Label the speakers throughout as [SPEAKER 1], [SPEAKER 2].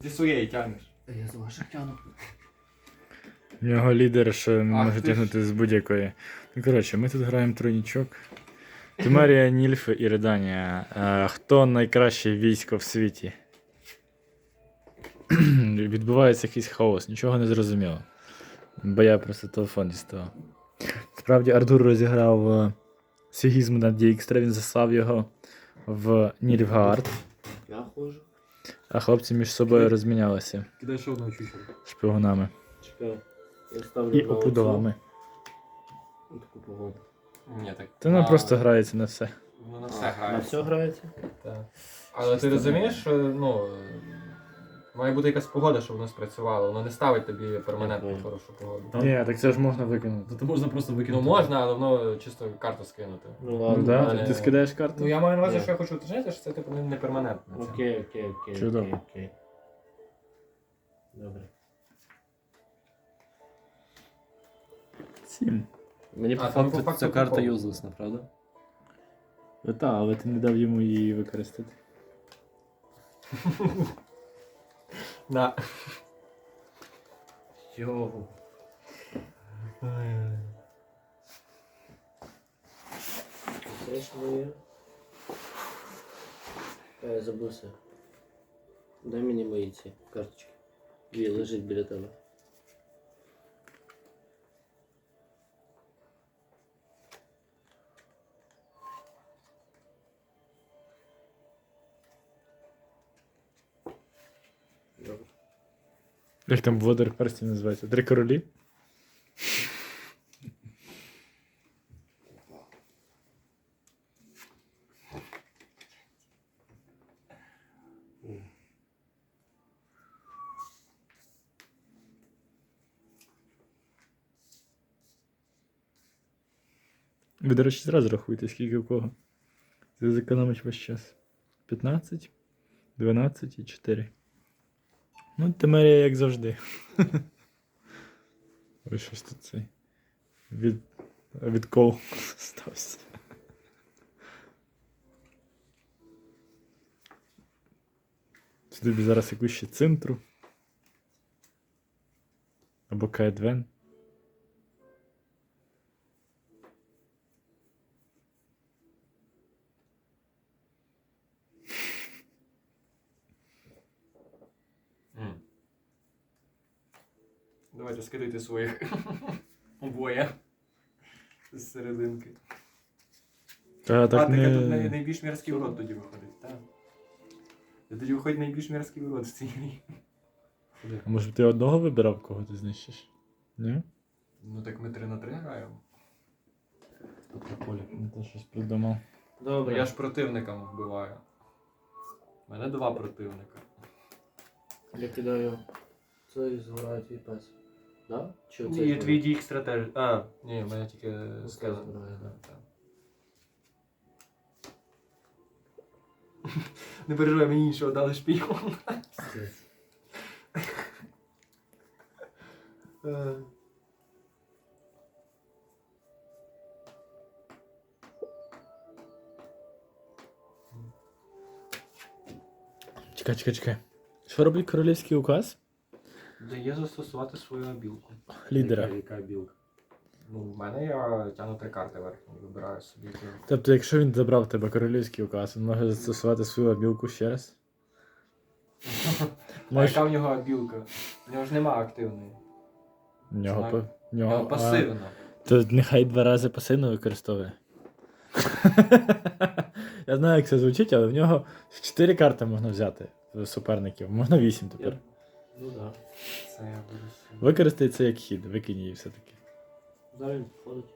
[SPEAKER 1] Зі своєї тягнеш.
[SPEAKER 2] Я з ваших тяну.
[SPEAKER 3] У нього лідер, що не
[SPEAKER 1] Ах
[SPEAKER 3] може
[SPEAKER 1] ти ж.
[SPEAKER 3] тягнути з будь-якої. Ну, коротше, ми тут граємо тройнічок. Тимерія, Нільфи і Реданія. Хто найкраще військо в світі? Відбувається якийсь хаос, нічого не зрозуміло. Бо я просто телефон діставав. Справді, Артур розіграв сигізм на Дікстра, він заслав його в Нільфгаард,
[SPEAKER 2] Я ходжу.
[SPEAKER 3] а хлопці між собою розмінялися
[SPEAKER 1] Кидай ще одного чучела.
[SPEAKER 3] шпигунами
[SPEAKER 2] Чекай. Я ставлю
[SPEAKER 3] і
[SPEAKER 2] на оцю.
[SPEAKER 3] опудолами.
[SPEAKER 2] Таку погоду.
[SPEAKER 1] Ні, так.
[SPEAKER 3] Та воно просто грається на все.
[SPEAKER 1] Воно на все
[SPEAKER 2] На
[SPEAKER 1] грає.
[SPEAKER 2] все грається?
[SPEAKER 1] Так. Але ти розумієш, що має бути якась погода, щоб воно спрацювало. Воно не ставить тобі перманентну
[SPEAKER 2] Дякую.
[SPEAKER 1] хорошу погоду.
[SPEAKER 3] Ні, так це ж можна викинути.
[SPEAKER 4] То можна просто
[SPEAKER 1] Ну
[SPEAKER 4] викинути.
[SPEAKER 1] можна, але воно чисто карту скинути.
[SPEAKER 2] Ну
[SPEAKER 3] Ну
[SPEAKER 2] ладно.
[SPEAKER 3] да?
[SPEAKER 1] але-
[SPEAKER 3] Ти скидаєш карту?
[SPEAKER 1] Ну я маю на увазі,
[SPEAKER 2] Ні.
[SPEAKER 1] що я хочу уточнити, що це типу не перманентно.
[SPEAKER 2] Окей.
[SPEAKER 3] Чудово.
[SPEAKER 2] Окей. Добре.
[SPEAKER 3] 7.
[SPEAKER 2] Мені
[SPEAKER 1] А,
[SPEAKER 2] по
[SPEAKER 1] там
[SPEAKER 2] факту
[SPEAKER 1] по факту
[SPEAKER 4] Ця карта
[SPEAKER 1] прикол.
[SPEAKER 4] юзлесна, правда?
[SPEAKER 3] Так, але ти не дав йому її використати.
[SPEAKER 1] На.
[SPEAKER 2] Його. Це ж моє. Я забувся. Дай мені мої ці карточки. Дві лежить біля тебе. Добре.
[SPEAKER 3] Як там Володар перстів називається? Три королі? Ви, до речі, зразу рахуйте, скільки у кого. Це зекономить ваш час. 15, 12 і 4. Ну, Тимерія, як завжди. Ой, щось тут цей. Відкол стався. Тобі зараз якусь ще цинтру. Або Каедвен.
[SPEAKER 1] Давайте скидайте своїх обоє з серединки.
[SPEAKER 3] Так
[SPEAKER 1] Так
[SPEAKER 3] не...
[SPEAKER 1] тут найбільш мірський урод тоді виходить, так. Тоді виходить найбільш мірський урод в цій грі.
[SPEAKER 3] А може б ти одного вибирав, кого ти знищиш? Ні?
[SPEAKER 1] Ну так ми 3 на 3 граємо.
[SPEAKER 3] Полі, не те щось придумав.
[SPEAKER 2] Добре.
[SPEAKER 1] Я ж противникам вбиваю. У мене 2 противника.
[SPEAKER 2] Я кидаю цей згорає твій пес. Да? Чи оцей
[SPEAKER 1] І
[SPEAKER 2] згорає?
[SPEAKER 1] твій дік стратеж. А, ні, в мене тільки скелет.
[SPEAKER 2] згорає, да.
[SPEAKER 1] Так. Не переживай, мені іншого дали шпіон.
[SPEAKER 2] Пиздець.
[SPEAKER 3] Чекай. Що робить королівський указ?
[SPEAKER 1] Дає застосувати свою обілку.
[SPEAKER 3] Лідера.
[SPEAKER 1] Яка білка? Ну, в мене я тягну 3 карти верхні, вибираю собі.
[SPEAKER 3] Тобто, якщо він забрав в тебе королівський указ, він може застосувати свою обілку ще раз?
[SPEAKER 1] А яка в нього білка? В нього ж нема активної.
[SPEAKER 3] В нього,
[SPEAKER 1] Знаю.
[SPEAKER 3] в
[SPEAKER 1] В
[SPEAKER 3] нього
[SPEAKER 1] нього пасивна.
[SPEAKER 3] То нехай 2 рази пасивно використовує. Я знаю, як це звучить, але в нього 4 карти можна взяти з суперників. Можна 8 тепер.
[SPEAKER 2] Ну да.
[SPEAKER 1] Це я буду собі.
[SPEAKER 3] Використай це як хід, викинь її все-таки.
[SPEAKER 2] Зараз він походить.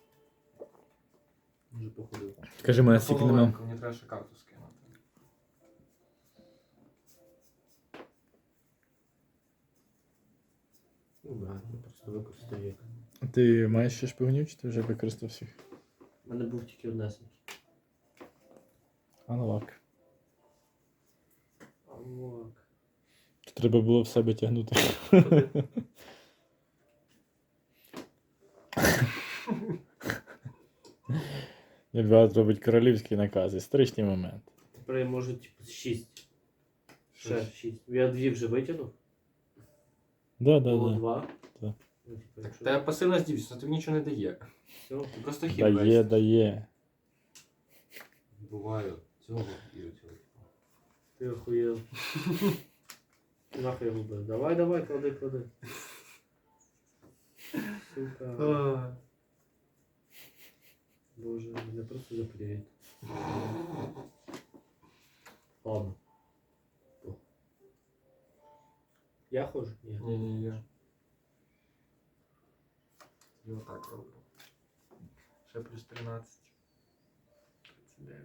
[SPEAKER 2] Може походив.
[SPEAKER 3] Скажи, мене стільки нема.
[SPEAKER 1] Половинку, мені треба ще карту скинути.
[SPEAKER 2] Ну да, я просто використаю як.
[SPEAKER 3] Ти маєш ще шпигунів, чи ти вже використав всіх?
[SPEAKER 2] У мене був тільки однесенький.
[SPEAKER 3] Аналак.
[SPEAKER 2] Амок.
[SPEAKER 3] Треба було в себе тягнути. Нельбат робить королівський наказ. Історичний момент.
[SPEAKER 2] Тепер я можу типу 6. Ще 6. Я 2 вже витягнув.
[SPEAKER 3] Да,
[SPEAKER 2] Було
[SPEAKER 3] да.
[SPEAKER 2] 2.
[SPEAKER 3] Так.
[SPEAKER 2] Ну, типу, якщо...
[SPEAKER 1] Та пасивна здібність, тобі нічого не дає.
[SPEAKER 2] Все.
[SPEAKER 1] Ти просто хід
[SPEAKER 3] Дає,
[SPEAKER 1] весь.
[SPEAKER 3] дає.
[SPEAKER 4] Буває цього і цього.
[SPEAKER 2] Ти охуєв. Нахуй його бив. Давай, давай, клади, клади. Сука.
[SPEAKER 1] А.
[SPEAKER 2] Боже, мене просто заклеїть. Ладно. О. Я ходжу? Ні.
[SPEAKER 1] Ні, я. Я отак роблю. Ще плюс 13. 39.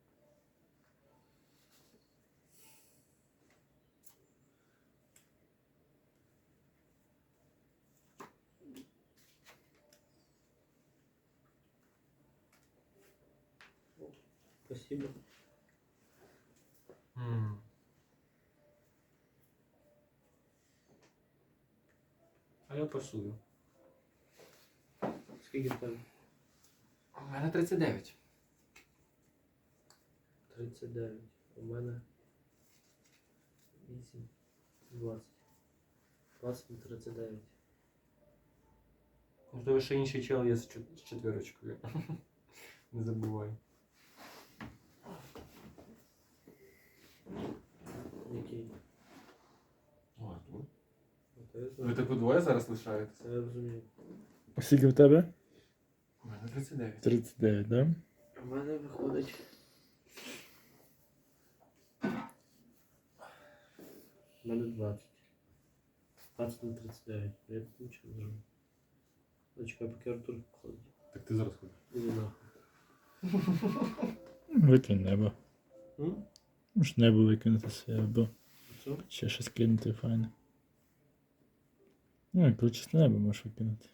[SPEAKER 2] Спасибо.
[SPEAKER 1] М. А я пасую.
[SPEAKER 2] Скільки в тебе?
[SPEAKER 1] У мене 39.
[SPEAKER 2] 39. У мене 8. 20. 20 на 39.
[SPEAKER 1] У тебе ще інший чел є з четвірочкою. Не забувай.
[SPEAKER 2] Який?
[SPEAKER 4] О, Артур.
[SPEAKER 2] Це я
[SPEAKER 1] Ви
[SPEAKER 2] знаю.
[SPEAKER 1] типу двоє зараз лишаєтесь?
[SPEAKER 2] Це я розумію.
[SPEAKER 3] Скільки в тебе?
[SPEAKER 1] У мене 39.
[SPEAKER 3] 39, да?
[SPEAKER 2] У мене виходить. У мене 20. 20 на 39. Я тут нічого не зроблю. Зачекай, поки Артур походить.
[SPEAKER 4] Так ти зараз ходиш.
[SPEAKER 2] Іди нахуй.
[SPEAKER 3] Викинь небо.
[SPEAKER 2] М?
[SPEAKER 3] Може небо викинути себе, або
[SPEAKER 2] Що?
[SPEAKER 3] ще щось кинути файне. Ну, як чисте небо можеш викинути.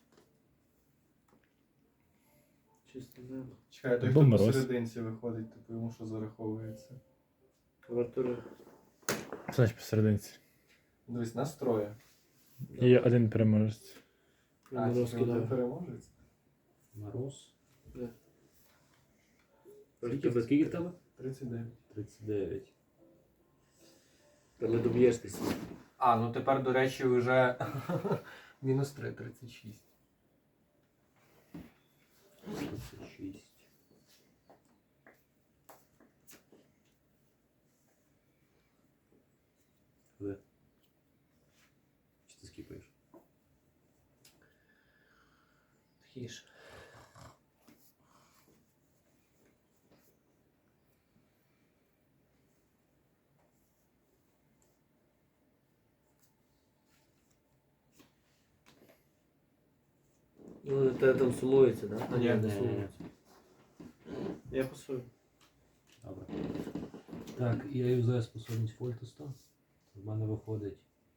[SPEAKER 2] Чисто небо.
[SPEAKER 1] Чекай, той
[SPEAKER 3] Або
[SPEAKER 1] хто
[SPEAKER 3] мороз.
[SPEAKER 1] посерединці виходить, типу йому що зараховується.
[SPEAKER 2] У Артура.
[SPEAKER 3] Значить посерединці.
[SPEAKER 1] Дивись, настроє.
[SPEAKER 3] І один переможець.
[SPEAKER 2] Він
[SPEAKER 1] А, тільки один
[SPEAKER 2] розкидає.
[SPEAKER 1] переможець?
[SPEAKER 4] Мороз.
[SPEAKER 2] Скільки в тебе?
[SPEAKER 1] 39.
[SPEAKER 4] 39.
[SPEAKER 2] Та не доб'єшся.
[SPEAKER 1] А, ну тепер, до речі, вже мінус 3, 36.
[SPEAKER 4] 36. Де? Чи ти скіпаєш?
[SPEAKER 2] Тихіше. Ну, те там сумується, да?
[SPEAKER 1] Ні,
[SPEAKER 2] не
[SPEAKER 4] ні,
[SPEAKER 2] сумується. Я пасую.
[SPEAKER 4] Добре. Так, я юзаю способність Фольтеста. В мене виходить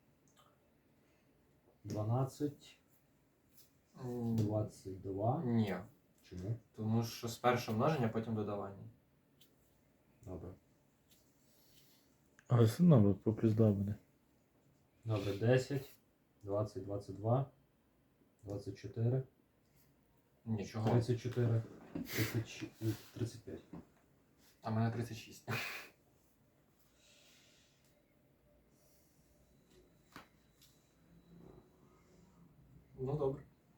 [SPEAKER 4] 12, 22.
[SPEAKER 1] Ні.
[SPEAKER 4] Чому?
[SPEAKER 1] Тому що спершу множення, потім додавання.
[SPEAKER 4] Добре.
[SPEAKER 3] Але все одно по плюс 2 буде.
[SPEAKER 4] Добре, 10, 20, 22, 24,
[SPEAKER 1] Нічого.
[SPEAKER 4] 34, 35.
[SPEAKER 1] А в мене 36. Ну добре.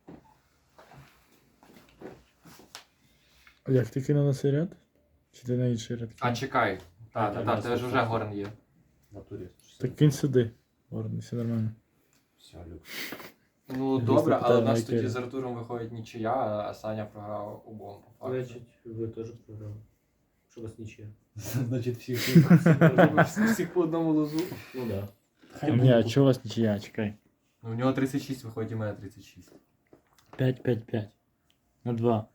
[SPEAKER 3] А як ти кинув на цей ряд? Чи ти на інший ряд?
[SPEAKER 1] А
[SPEAKER 3] кинув?
[SPEAKER 1] чекай. Так,
[SPEAKER 4] Так,
[SPEAKER 1] так,
[SPEAKER 4] я
[SPEAKER 1] тебе ж вже горн є.
[SPEAKER 4] В натурі.
[SPEAKER 3] Так кинь сюди. Ладно, все нормально.
[SPEAKER 4] Все, Люк.
[SPEAKER 1] Ну
[SPEAKER 3] Я
[SPEAKER 1] добре,
[SPEAKER 3] дійсно
[SPEAKER 1] але в
[SPEAKER 3] питаю,
[SPEAKER 1] нас
[SPEAKER 3] на
[SPEAKER 1] тоді
[SPEAKER 3] яке?
[SPEAKER 1] з Артуром виходить нічия, а Саня програв обом по факту.
[SPEAKER 2] Значить, ви теж програли. Що у вас нічия.
[SPEAKER 4] Значить, всі
[SPEAKER 1] Всіх по одному лозу.
[SPEAKER 2] Ну да.
[SPEAKER 3] Ні, а чого у вас нічия? Чекай.
[SPEAKER 1] Ну, у нього 36 виходить, у мене 36.
[SPEAKER 3] 5, 5, 5. На 2.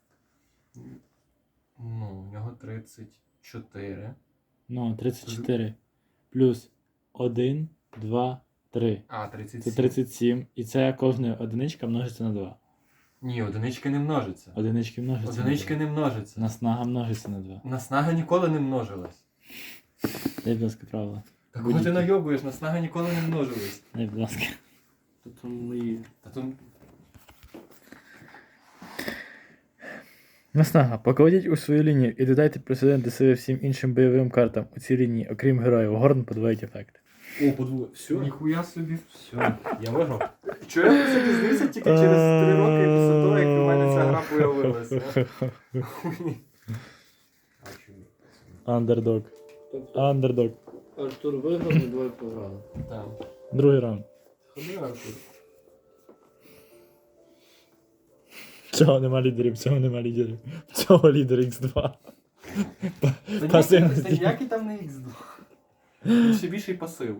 [SPEAKER 1] Ну, у нього 34.
[SPEAKER 3] Ну, 34. Плюс 1, 2, 3.
[SPEAKER 1] А,
[SPEAKER 3] Це
[SPEAKER 1] 37.
[SPEAKER 3] 37. І це кожна одиничка множиться на 2.
[SPEAKER 1] Ні, одинички не множиться.
[SPEAKER 3] Одинички множаться
[SPEAKER 1] Одинички
[SPEAKER 3] на
[SPEAKER 1] не множиться.
[SPEAKER 3] 2. Наснага множиться на 2.
[SPEAKER 1] Наснага ніколи не множилась.
[SPEAKER 3] Дай, будь ласка, правила.
[SPEAKER 1] Та кого ти найобуєш, наснага ніколи не множилась.
[SPEAKER 3] Дай, будь ласка.
[SPEAKER 2] Тут там мої.
[SPEAKER 1] Та тут
[SPEAKER 3] Наснага. Покладіть у свою лінію і додайте прецеденти себе всім іншим бойовим картам у цій лінії, окрім героїв. Горн подвоїть ефект.
[SPEAKER 4] О, подвоє. Все?
[SPEAKER 1] Ніхуя собі.
[SPEAKER 4] Все, я виграв.
[SPEAKER 1] Чого я про це дізнався тільки через 3 роки після того, як у мене ця гра появилася?
[SPEAKER 4] А чому?
[SPEAKER 3] Андердог.
[SPEAKER 2] Тобто
[SPEAKER 3] Андердог.
[SPEAKER 2] Артур виграв, ми двоє програли.
[SPEAKER 1] Так.
[SPEAKER 3] Другий раунд.
[SPEAKER 1] Ходи, Артур.
[SPEAKER 3] Цього нема лідерів, цього нема лідерів. Цього лідер X2.
[SPEAKER 1] Та
[SPEAKER 3] Пасивності.
[SPEAKER 1] ніякий там не X2. Він ще більший пасив.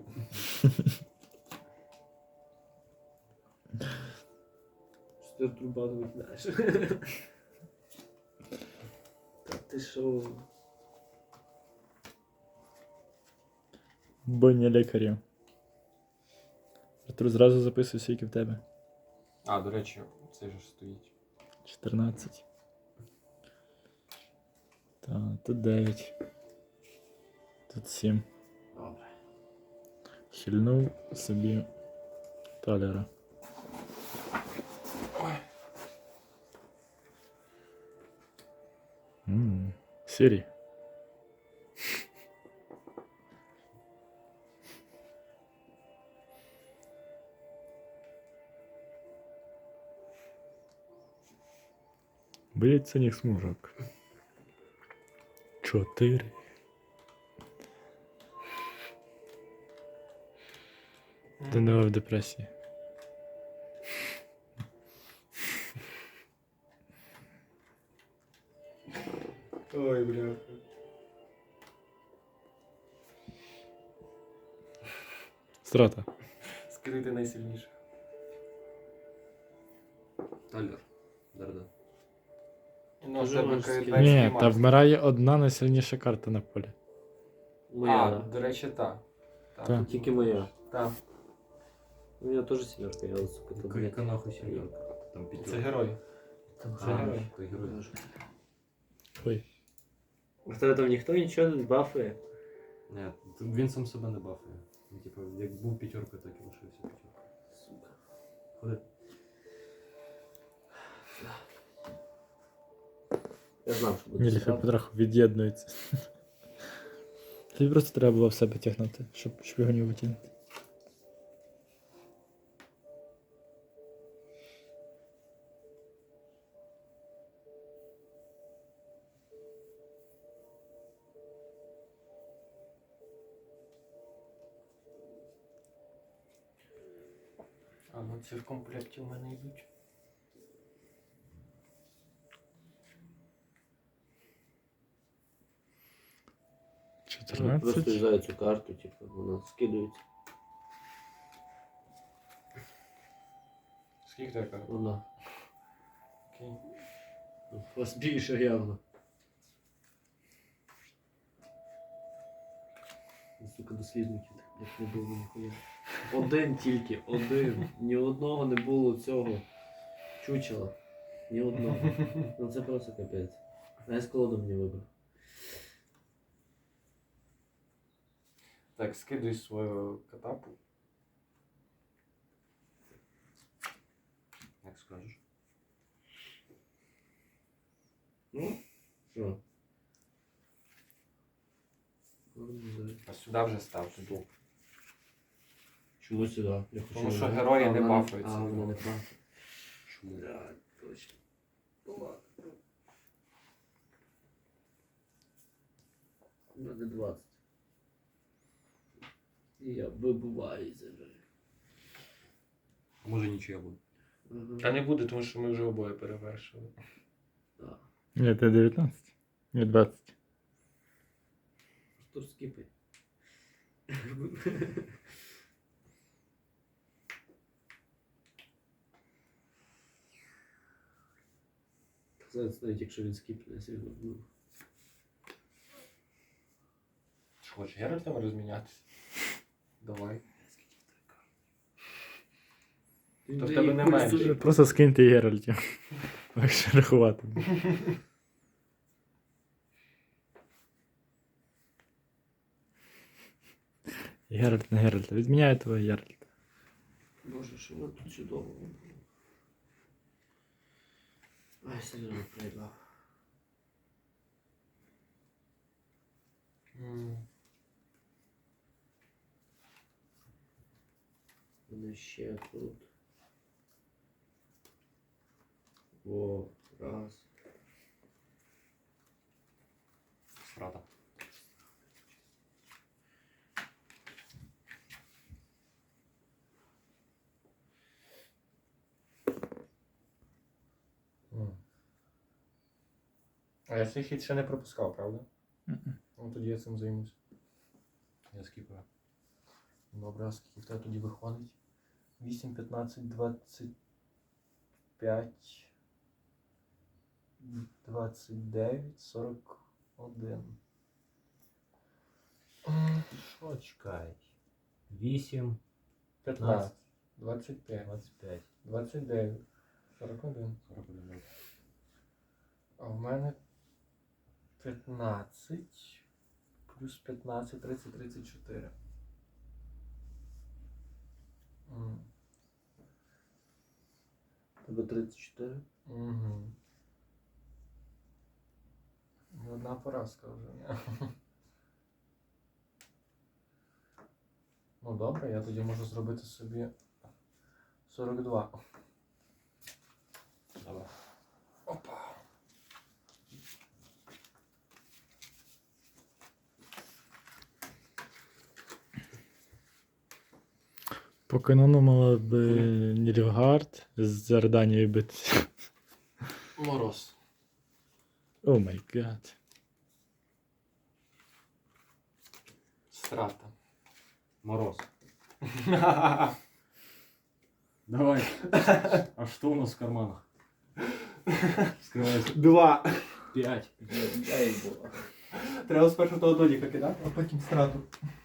[SPEAKER 2] Що ти Артур багато викидаєш? Та ти що?
[SPEAKER 3] Бойня лікарів. Артур, зразу записуй, скільки в тебе.
[SPEAKER 1] А, до речі, цей же ж стоїть.
[SPEAKER 3] 14. Так, тут 9. Тут 7.
[SPEAKER 2] Добре.
[SPEAKER 3] Хильнув собі талера. Сірі. Боїться ніг смужок. 4. Данила в депресії.
[SPEAKER 1] Ой, бля.
[SPEAKER 3] Страта.
[SPEAKER 1] Скрити найсильніше.
[SPEAKER 4] Талер. Дарда.
[SPEAKER 1] Ну,
[SPEAKER 2] Дуже
[SPEAKER 1] тебе
[SPEAKER 2] можеш
[SPEAKER 1] кайданський
[SPEAKER 3] Ні, та
[SPEAKER 1] мастер.
[SPEAKER 3] вмирає одна найсильніша карта на полі.
[SPEAKER 2] Моя,
[SPEAKER 1] А,
[SPEAKER 2] да.
[SPEAKER 1] до речі, так.
[SPEAKER 3] Так.
[SPEAKER 2] Тільки моя.
[SPEAKER 1] Так.
[SPEAKER 2] У мене теж сімерка, я сука, то блядь.
[SPEAKER 4] Яка нахуй сім'ярка? Там
[SPEAKER 1] Це
[SPEAKER 4] п'ятерка.
[SPEAKER 1] герой.
[SPEAKER 2] Там
[SPEAKER 1] Це
[SPEAKER 4] А,
[SPEAKER 1] герой.
[SPEAKER 4] то герой.
[SPEAKER 3] Ой.
[SPEAKER 2] В тебе там ніхто нічого не бафує?
[SPEAKER 4] Ні, він сам себе не бафує. Він, типу, як був п'ятеркою, так і лишився п'ятеркою.
[SPEAKER 2] Сука.
[SPEAKER 4] Ходи.
[SPEAKER 2] Я знав, що буде.
[SPEAKER 3] Ніліфи
[SPEAKER 2] срати.
[SPEAKER 3] потроху від'єднується. Тобі просто треба було в себе тягнути, щоб шпигунів витягнути.
[SPEAKER 1] А ну ці в комплекті в мене йдуть.
[SPEAKER 2] Ну, просто
[SPEAKER 3] 14.
[SPEAKER 2] юзаю цю карту, типу, вона скидується.
[SPEAKER 1] Скільки така?
[SPEAKER 2] Вона.
[SPEAKER 1] Окей.
[SPEAKER 2] У вас більше явно. Сука, дослідників так, як не було ніхуя. Один тільки, один. Ні одного не було цього чучела. Ні одного. Ну це просто капець. А я з колоду мені вибрав.
[SPEAKER 1] Так, скидуй свою катапу.
[SPEAKER 4] Як скажеш.
[SPEAKER 2] Ну, що?
[SPEAKER 1] А сюди вже став туди.
[SPEAKER 2] Чому сюди? Я хочу
[SPEAKER 1] Тому що
[SPEAKER 2] його-
[SPEAKER 1] герої
[SPEAKER 2] А,
[SPEAKER 1] не
[SPEAKER 2] вона
[SPEAKER 1] бафуються.
[SPEAKER 2] А, вона не бафує.
[SPEAKER 4] Чому?
[SPEAKER 2] Да, точно. Ладно. Буде 20. І я вибуваю себе.
[SPEAKER 4] Може нічия буде.
[SPEAKER 1] Та не буде, тому що ми вже обоє перевершили.
[SPEAKER 2] Так.
[SPEAKER 3] Ні, ти 19. Ні, 20.
[SPEAKER 2] Артур, скіпай. Зараз навіть якщо він скіпне, я сильно. Ну.
[SPEAKER 1] Що, хочеш Геральтом розмінятися? Давай. То в тебе не менше.
[SPEAKER 3] Просто скиньте Геральтів. Легше рахувати. Геральт на Геральта. Відміняю твого Геральта.
[SPEAKER 2] Боже, що воно тут чудово. Ай, сильно проїбав. Мене ще тут. О, раз.
[SPEAKER 4] Страта.
[SPEAKER 1] М. А я цей хід ще не пропускав, правда?
[SPEAKER 3] Мгм.
[SPEAKER 1] Ну тоді я цим займусь.
[SPEAKER 4] Я скіпаю.
[SPEAKER 1] Добре, а скільки в тебе тоді виходить? 8, 15, 25, 29, 41.
[SPEAKER 4] Що чекай? 8,
[SPEAKER 1] 15, 25,
[SPEAKER 4] 25,
[SPEAKER 1] 29, 41.
[SPEAKER 4] 41.
[SPEAKER 1] А в мене 15 плюс 15, 30, 34.
[SPEAKER 2] Тебе 34.
[SPEAKER 1] Угу. Одна поразка вже. Ні? Ну добре, я тоді можу зробити собі 42.
[SPEAKER 4] Давай.
[SPEAKER 1] Опа.
[SPEAKER 3] По канону мала би Нільфгард з Арданією битися.
[SPEAKER 1] Мороз.
[SPEAKER 3] О май гад.
[SPEAKER 1] Страта.
[SPEAKER 4] Мороз. Давай. А что у нас в карманах? Скрывайся.
[SPEAKER 1] 2.
[SPEAKER 4] 5.
[SPEAKER 1] Треба спершу того додіка кидати, а потім страту.